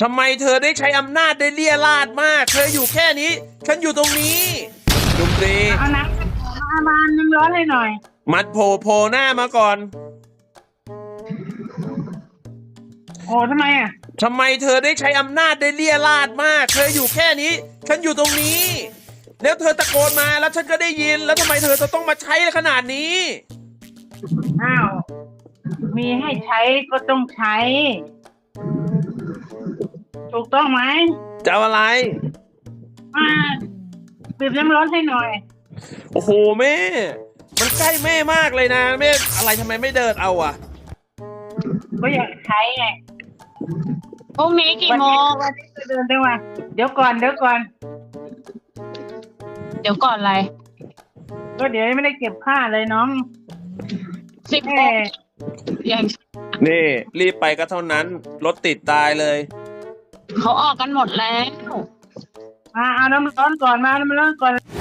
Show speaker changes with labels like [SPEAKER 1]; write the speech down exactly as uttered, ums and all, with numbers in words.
[SPEAKER 1] ทำไมเธอได้ใช้อำนาจได้เลี่ยราดมาก เธออยู่แค่นี้ ฉันอยู่ตรงนี้ดนตรี
[SPEAKER 2] เอาน้ำมามาน้ำร้อนให้หน่อย
[SPEAKER 1] มัดโผล่โผล่หน้ามาก่อน
[SPEAKER 2] โอ้ทำไมอ่ะ
[SPEAKER 1] ทำไมเธอได้ใช้อำนาจได้เลี่ยราดมาก เธออยู่แค่นี้ ฉันอยู่ตรงนี้ แล้วเธอตะโกนมาแล้วฉันก็ได้ยิน แล้วทำไมเธอจะต้องมาใช้ขนาดนี้
[SPEAKER 2] อ้าว มีให้ใช้ก็ต้องใช้ ถูกต้องไหม
[SPEAKER 1] จะเอาอะไร
[SPEAKER 2] มาบีบน้ำร้อนให้หน่อย
[SPEAKER 1] โอ้โหแม่ มันใกล้แม่มากเลยนะแม่อะไรทำไมไม่เดินเอาอ่ะ
[SPEAKER 2] ก็อยากใช้ไง
[SPEAKER 3] พรุ่งนี้กี่โมง
[SPEAKER 2] วันนี้จะเดินได้ว่าเดี๋ยวก่อนเดี๋ยวก่อน
[SPEAKER 3] เดี๋ยวก่อนอะไร
[SPEAKER 2] ก็เดี๋ยวไม่ได้เก็บผ้าเลยน้อง
[SPEAKER 3] สิบ
[SPEAKER 2] แห
[SPEAKER 3] โม
[SPEAKER 2] ม
[SPEAKER 3] งอย่าง
[SPEAKER 1] นี่รีบไปก็เท่านั้น รถติดตายเลย
[SPEAKER 3] เขาออกกันหมดแล้ว
[SPEAKER 2] มาเอาน้ำร้อนก่อนมาน้ำร้อนก่อน